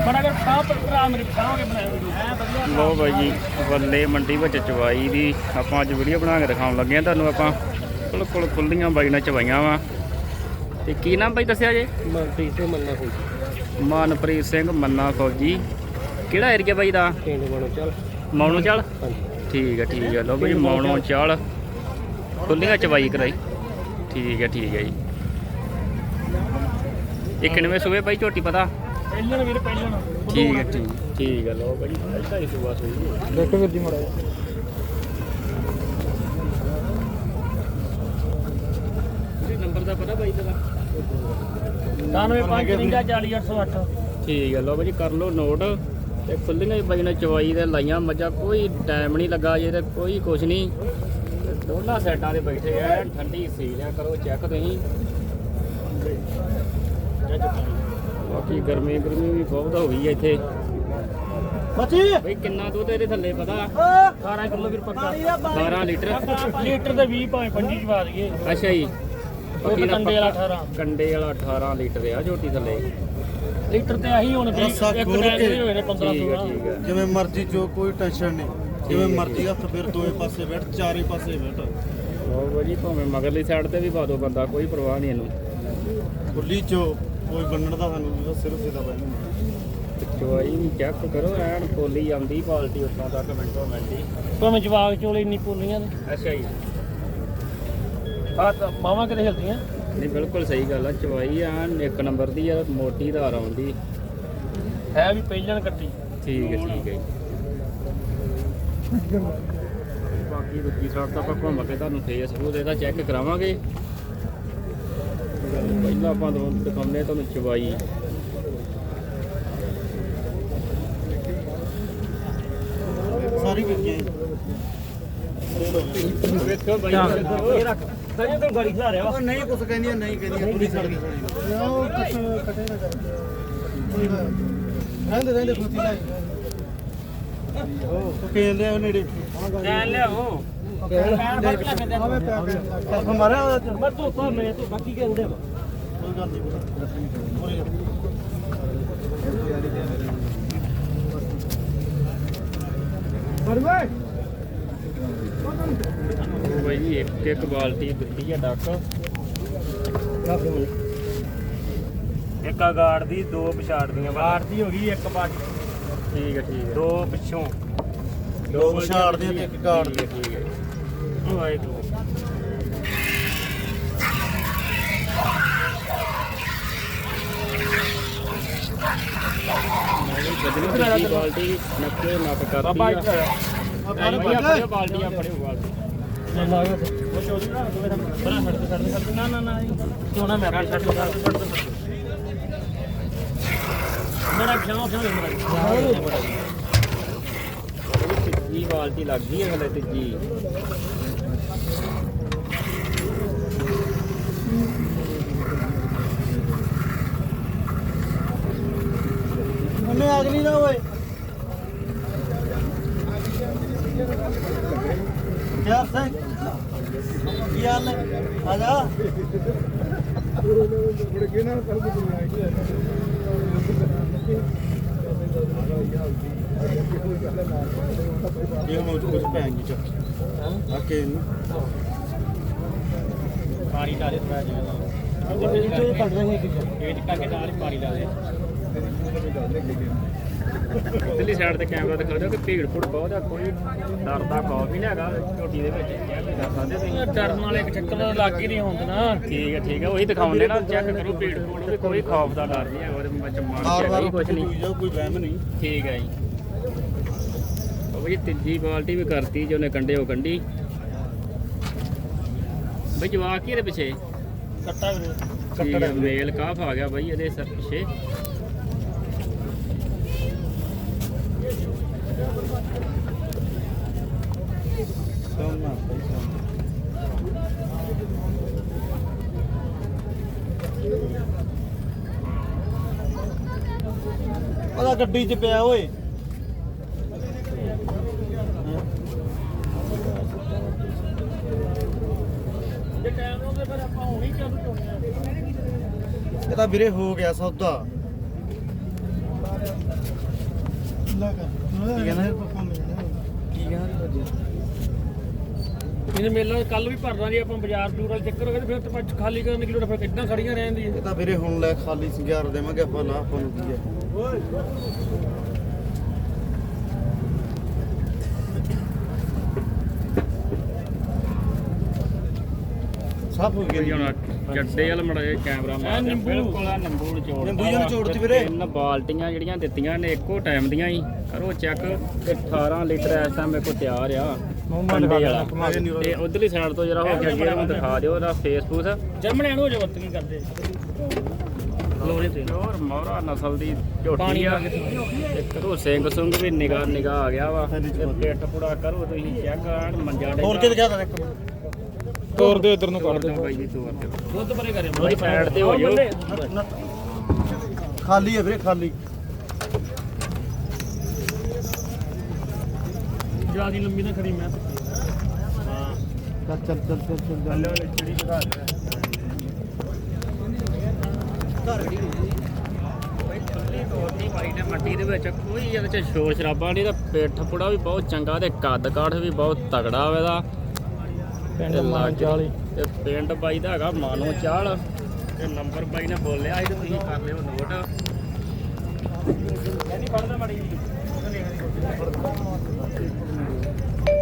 ਬੜਾ ਕਰ ਸਾਹ ਭਰਾ ਮੇਰੇ ਸਾਹ ਕੇ ਬਣਾਇਆ ਲੋ ਬਾਈ ਜੀ ਬੱਲੇ ਮੰਡੀ ਵਿੱਚ ਚਵਾਈ ਦੀ ਆਪਾਂ ਅੱਜ ਵੀਡੀਓ ਬਣਾ ਕੇ ਦਿਖਾਉਣ ਲੱਗੇ ਆ ਤੁਹਾਨੂੰ। ਆਪਾਂ ਬਿਲਕੁਲ ਖੁੱਲੀਆਂ ਬਾਈ ਨਾਲ ਚਵਾਈਆਂ ਵਾ। ਤੇ ਕੀ ਨਾਮ ਬਾਈ ਦੱਸਿਆ ਜੇ? ਮਨਪ੍ਰੀਤ ਸਿੰਘ ਮੰਨਾ ਫੌਜੀ। ਮਨਪ੍ਰੀਤ ਸਿੰਘ ਮੰਨਾ ਫੌਜੀ। ਕਿਹੜਾ ਏਰੀਆ ਬਾਈ ਦਾ? ਪਿੰਡ ਮਨੋ ਚੱਲ ਮੌਣੋ ਚਾਲ। ਹਾਂਜੀ ਠੀਕ ਹੈ ਲੋ ਬਾਈ ਮੌਣੋ ਚਾਲ ਖੁੱਲੀਆਂ ਚਵਾਈ ਕਰਾਈ। ਠੀਕ ਹੈ ਜੀ। ਇਹ ਕਿੰਨਵੇਂ ਸੂਏ ਬਾਈ ਝੋਟੀ ਪਤਾ? ਪਹਿਲਣ ਵੀਰ ਪਹਿਲਣ। ਠੀਕ ਹੈ ਲੋ ਬਾਈ ਪਹਿਲਾਂ ਹੀ ਸੂਆ ਸੂਈ ਦੇਖੋ ਵੀਰ ਜੀ ਮੜਾ ਨੰਬਰ ਦਾ ਪਤਾ ਬਾਈ ਤੇਰਾ? 95540808। ਠੀਕ ਹੈ ਲੋ ਬਾਈ ਕਰ ਲਓ ਨੋਟ। ਤੇ ਖੁੱਲੀਆਂ ਹੀ ਬਾਈ ਨੇ ਚਵਾਈ ਦੇ ਲਾਈਆਂ ਮੱਝਾਂ। ਕੋਈ ਟਾਈਮ ਨਹੀਂ ਲੱਗਾ ਜੇ ਤੇ ਕੋਈ ਕੁਛ ਨਹੀਂ। ਦੋਨਾਂ ਸਾਈਡਾਂ ਦੇ ਬੈਠੇ ਆ ਠੰਡੀ ਸੀਲਿਆ ਕਰੋ ਚੈੱਕ ਤੁਸੀਂ। ਬਾਕੀ ਗਰਮੀ ਵੀ ਬਹੁਤ ਹੋ ਗਈ ਹੈ ਇੱਥੇ। ਬੱਚੀ ਬਈ ਕਿੰਨਾ ਦੁੱਧ ਇਹਦੇ ਥੱਲੇ ਪਤਾ? 12 ਕਿਲੋ ਵੀਰ ਪੱਕਾ। 12 ਲੀਟਰ। ਲੀਟਰ ਦੇ 20 ਭਾਵੇਂ 25 ਚਵਾ ਦਈਏ। ਅੱਛਾ ਜੀ। ਉਹ ਕੰਡੇ ਵਾਲਾ 18 ਕੰਡੇ ਵਾਲਾ 18 ਲੀਟਰ ਆ ਝੋਟੀ ਥੱਲੇ। ਲੀਟਰ ਤੇ ਆਹੀ ਹੁਣ ਵੀ ਇੱਕ ਟਾਈਮ ਦੇ ਹੋਏ ਨੇ 15 ਠੀਕ 16। ਹੈ ਜਿਵੇਂ ਮਰਜ਼ੀ ਜੋ ਕੋਈ ਟੈਨਸ਼ਨ ਨਹੀਂ। ਜਿਵੇਂ ਮਰਜ਼ੀ ਹੱਥ ਫਿਰ ਦੋਵੇਂ ਪਾਸੇ ਬੈਠ ਚਾਰੇ ਪਾਸੇ ਬੈਠ। ਲਓ ਬਾਈ ਭਾਵੇਂ ਮਗਰਲੀ ਸਾਈਡ ਤੇ ਵੀ ਪਾ ਦੋ ਬੰਦਾ ਕੋਈ ਪਰਵਾਹ ਨਹੀਂ ਇਹਨੂੰ। ਖੁੱਲੀ ਚੋ ਕੋਈ ਬੰਨਣ ਦਾ ਸਾਨੂੰ ਸਿਰਫ ਸਿੱਧਾ ਪੈਣਾ। ਚਵਾਈ ਵੀ ਚੈੱਕ ਕਰੋ ਐਨ ਪੋਲੀ ਆਉਂਦੀ ਬਾਲਟੀ ਉੱਤੋਂ ਤੱਕ ਮਿੰਟੋ ਮਿੰਟੀ। ਭਾਵੇਂ ਜਵਾਗ ਚੋਲੇ ਇੰਨੀ ਪੋਲੀਆਂ ਨੇ। ਅੱਛਾ ਜੀ। ਆ ਤਾਂ ਮਾਵਾਂ ਕਿਤੇ ਹਿਲਦੀਆਂ। ਨਹੀਂ ਬਿਲਕੁਲ ਸਹੀ ਗੱਲ ਆ। ਚਵਾਈ ਐਨ ਇੱਕ ਨੰਬਰ ਦੀ ਆ। ਮੋਟੀ ਧਾਰ ਆਉਂਦੀ ਹੈ ਵੀ ਪਹਿਲਣ ਕੱਟੀ। ਠੀਕ ਹੈ ਬਾਕੀ ਦੂਜੀ ਸਾਈਡ ਤਾਂ ਆਪਾਂ ਘੁੰਮ ਕੇ ਤੁਹਾਨੂੰ ਫੇਸਬੁੱਕ ਇਹਦਾ ਚੈੱਕ ਕਰਾਵਾਂਗੇ। ਪਹਿਲਾਂ ਆਪਾਂ ਤੁਹਾਨੂੰ ਦਿਖਾਉਂਦੇ ਤੁਹਾਨੂੰ ਚਵਾਈ। ਸਾਰੀ ਵਿਕੀ ਵੇਖੋ ਬਾਈ ਇਹ ਰੱਖ ਸਜੇ ਤੋਂ ਗਾੜੀ ਖਿਲਾ ਰਿਹਾ ਵਾ। ਉਹ ਨਹੀਂ ਕੁਛ ਕਹਿੰਦੀਆਂ ਨਹੀਂ ਕਹਿੰਦੀਆਂ ਪੂਰੀ ਸੜ ਗਈ ਥੋੜੀ। ਉਹ ਕੱਟੇ ਨਾ ਕਰ। ਰਹਿੰਦੇ ਖੋਤੀ ਲਾਈ। ਉਹ ਕਹਿੰਦੇ ਉਹ ਨੇੜੇ ਲੈ ਲਿਆਓ ਹਮਾਰਾ ਮੈਂ ਤੂੰ ਤਾਂ ਮੈਂ ਤੂੰ ਬਾਕੀ ਕਹਿੰਦੇ ਵਾ। ਕੋਈ ਗੱਲ ਨਹੀਂ ਬਾਈ ਜੀ ਇੱਕ ਬਾਲਟੀ ਦਿੱਤੀ ਆ ਡੱਕ। ਇੱਕ ਗਾੜ ਦੀ ਦੋ ਪਛਾੜ ਦੀਆਂ ਗਾੜ ਦੀ ਹੋ ਗਈ ਇੱਕ ਬਾਟੀ। ਠੀਕ ਹੈ ਦੋ ਪਿੱਛੋਂ ਦੋ ਵਿਛਾੜ ਦੇ ਤੇ ਇੱਕ ਕਾੜ ਦੇ। ਠੀਕ ਹੈ ਵਾਹਿਗੁਰੂ। ਗੱਡੀ ਬਾਲਟੀ ਨੱਕੇ ਨੱਕ ਕਰਦੀ ਬਾਬਾ ਆ। ਇੱਥੇ ਆਇਆ। ਬਾਲਟੀਆਂ ਬਾਲਟੀਆਂ ਫੜਿਓ ਬਾਲਟੀ। ਲੈ ਲਾ ਉਹ ਚੋਰੀ ਨਾ ਮੇਰਾ ਬੜਾ ਛੱਡ ਦੇ ਨਾ ਕਿਉਂ ਨਾ ਮੈਂ ਛੱਡ ਦੇ ਮੇਰਾ ਖਿਆਲ ਮੇਰਾ ਤੀਜੀ ਬਾਲਟੀ ਲੱਗ ਗਈ ਹੈ ਹਲੇ ਤੀਜੀ। ਉਹਨੇ ਅਗਲੀ ਨਾ ਓਏ ਯਾਰ ਸਿੰਘ ਕੀ ਹਾਲ ਹੈ? ਆ ਜਾ ਇਹ ਮੋਚ ਕੁਝ ਪੈਂਗੀ ਚੱਕ ਆ ਕੇ ਪਾਣੀ ਡਾਲੇ ਥੋੜਾ ਜਿਹਾ ਇਹ ਕੱਢ ਰਹੇ ਕਿ ਇਹ ਟੱਕੇ ਨਾਲ ਹੀ ਪਾਣੀ ਡਾਲੇ। ਇਧਰਲੀ ਸਾਈਡ ਤੇ ਕੈਮਰਾ ਦਿਖਾ ਦਿਓ ਕਿ ਭੀੜ ਭੁੜ ਬਹੁਤ ਆ। ਕੋਈ ਡਰ ਦਾ ਖੌਫ ਹੀ ਨਹੀਂ ਹੈਗਾ ਝੋਟੀ ਦੇ ਵਿੱਚ। ਚੈੱਕ ਕਰ ਸਕਦੇ ਤੁਸੀਂ। ਡਰਨ ਵਾਲੇ ਇੱਕ ਚੱਕਰ ਲੱਗ ਹੀ ਨਹੀਂ ਹੁੰਦਾ। ਠੀਕ ਹੈ ਉਹੀ ਦਿਖਾਉਂਦੇ ਨਾ। ਚੈੱਕ ਕਰੋ ਭੀੜ ਭੁੜ ਵੀ ਕੋਈ ਖੌਫ ਦਾ ਡਰ ਨਹੀਂ ਹੈਗਾ ਉਹਦੇ ਵਿੱਚ। ਮਨ ਕੁਝ ਨਹੀਂ। ਕੋਈ ਵਹਿਮ ਨਹੀਂ। ਠੀਕ ਹੈ ਜੀ। ਉਹ ਜੀ ਤੀਜੀ ਬਾਲਟੀ ਵੀ ਕਰਤੀ ਜੋ ਨੇ ਕੰਡੇ ਉਹ ਕੰਡੀ। ਬਈ ਜਵਾਕ ਕੀ ਇਹਦੇ ਪਿੱਛੇ? ਕੱਟਾ ਵੀਰੇ ਠੀਕ ਹੈ ਮੇਲ ਕਾਫ ਆ ਗਿਆ ਬਾਈ ਇਹਦੇ ਸਰ ਪਿੱਛੇ। ਉਹਦਾ ਗੱਡੀ 'ਚ ਪਿਆ ਓਏ। ਜੇ ਟਾਈਮ ਲਾਉਂਦੇ ਫਿਰ ਆਪਾਂ ਹੁਣੀ ਚੱਲ ਚੁਣਿਆ। ਇਹ ਤਾਂ ਵੀਰੇ ਹੋ ਗਿਆ ਸੌਦਾ। ਖੁੱਲਾ ਕਰ ਠੀਕ ਹੈ ਨਾ? ਠੀਕ ਹੈ ਇਹਨੇ ਮੇਲਾ ਕੱਲ ਵੀ ਭਰਨਾ ਜੀ ਆਪਾਂ ਬਾਜ਼ਾਰ ਦੂਰ ਵਾਲੇ ਚੱਕਰ ਹੋ ਗਏ ਤੇ ਫਿਰ ਤਾਂ ਆਪਾਂ ਖਾਲੀ ਕਰਨ ਦੀ ਲੋੜ ਫਿਰ ਕਿੱਦਾਂ ਖੜੀਆਂ ਰਹਿਣ ਦੀ ਇਹ ਤਾਂ ਵੀਰੇ ਹੁਣ ਲੈ ਖਾਲੀ 11 ਦੇਵਾਂਗੇ ਆਪਾਂ ਨਾ ਆਪਾਂ ਨੂੰ ਕੀ ਹੈ ਸਭ ਹੋ ਕੋਈ ਗਿਆ ਹੁਣ ਚੱਡੇ ਵਾਲ ਮੜਾ ਜਿਹਾ ਕੈਮਰਾ ਮਾਰ ਨਿੰਬੂ। ਬਿਲਕੁਲ ਆ ਨਿੰਬੂ ਨਿਚੋੜ ਨਿੰਬੂ ਜਿਹੇ ਨਿਚੋੜਤੀ ਵੀਰੇ। 3 ਬਾਲਟੀਆਂ ਜਿਹੜੀਆਂ ਦਿੱਤੀਆਂ ਨੇ ਇੱਕੋ ਟਾਈਮ ਦੀਆਂ ਹੀ ਕਰੋ ਚੈੱਕ ਤੇ 18 ਲੀਟਰ ਇਸ ਟਾਈਮ ਮੇਰੇ ਕੋਲ ਤਿਆਰ ਆ ਕੰਡੇ ਵਾਲਾ ਤੇ ਉਧਰਲੀ ਸਾਈਡ ਤੋਂ ਜਰਾ ਹੋ ਕੇ ਅੱਗੇ ਨੂੰ ਦਿਖਾ ਦਿਓ ਉਹਦਾ ਫੇਸਬੁੱਕ ਜਰਮਨ ਐਂਡ ਹੋ ਜਾ ਵਰਤ ਕੀ ਕਰਦੇ ਲੋਹੇ ਤੇ ਪਿਓਰ ਮੋਹਰਾ ਨਸਲ ਦੀ ਝੋਟੀ ਆ ਤੇ ਕਰੋ ਸਿੰਘ ਸੁੰਗ ਵੀ ਨਿਗਾਹ ਆ ਗਿਆ ਵਾ ਤੇ ਪੇਟ ਪੂੜਾ ਕਰੋ ਤੁਸੀਂ ਚੈੱਕ ਆਣ ਮੰਜਾ ਡੇ ਹੋਰ ਕਿਤੇ ਗਿਆ ਇੱਕ ਮਿੰਟ ਤੋਰ ਦਿਓ ਇਧਰ ਨੂੰ ਤੋੜ ਦਿਓ ਬਾਈ ਜੀ ਤੋੜ ਦਿਓ ਦੁੱਧ ਪਰੇ ਕਰੇ ਉਹਦੀ ਸਾਈਡ ਤੇ ਹੋ ਜਾਓ ਖਾਲੀ ਹੈ ਵੀਰੇ ਖਾਲੀ ਜਿਆਦੀ ਲੰਬੀ ਨਾ ਖੜੀ ਮੈਂ ਚੱਲ ਚੱਲ ਚੱਲ ਚੱਲ ਚੱਲ ਥੱਲੇ ਵਾਲੀ ਚਿੜੀ ਦਿਖਾ ਦੇ ਤੋੜਨੀ ਪਾਈ ਨੇ ਮੱਟੀ ਦੇ ਵਿੱਚ ਕੋਈ ਇਹਦੇ ਚ ਸ਼ੋਰ ਸ਼ਰਾਬਾ ਨਹੀਂ ਤਾਂ ਪੇਟ ਪੁੜਾ ਵੀ ਬਹੁਤ ਚੰਗਾ ਤੇ ਕੱਦ ਕਾਠ ਵੀ ਬਹੁਤ ਤਗੜਾ ਵਾ ਇਹਦਾ ਪਿੰਡ ਤੇ ਮਾਨ ਚਾਲੀ ਤੇ ਪਿੰਡ ਬਾਈ ਦਾ ਹੈਗਾ ਮਾਨੋ ਚਾਲ ਤੇ ਨੰਬਰ ਬਾਈ ਨੇ ਬੋਲਿਆ ਸੀ ਤੇ ਤੁਸੀਂ ਕਰ ਲਿਓ ਨੋਟ ਨਹੀਂ ਪੜਦਾ ਮੜੀ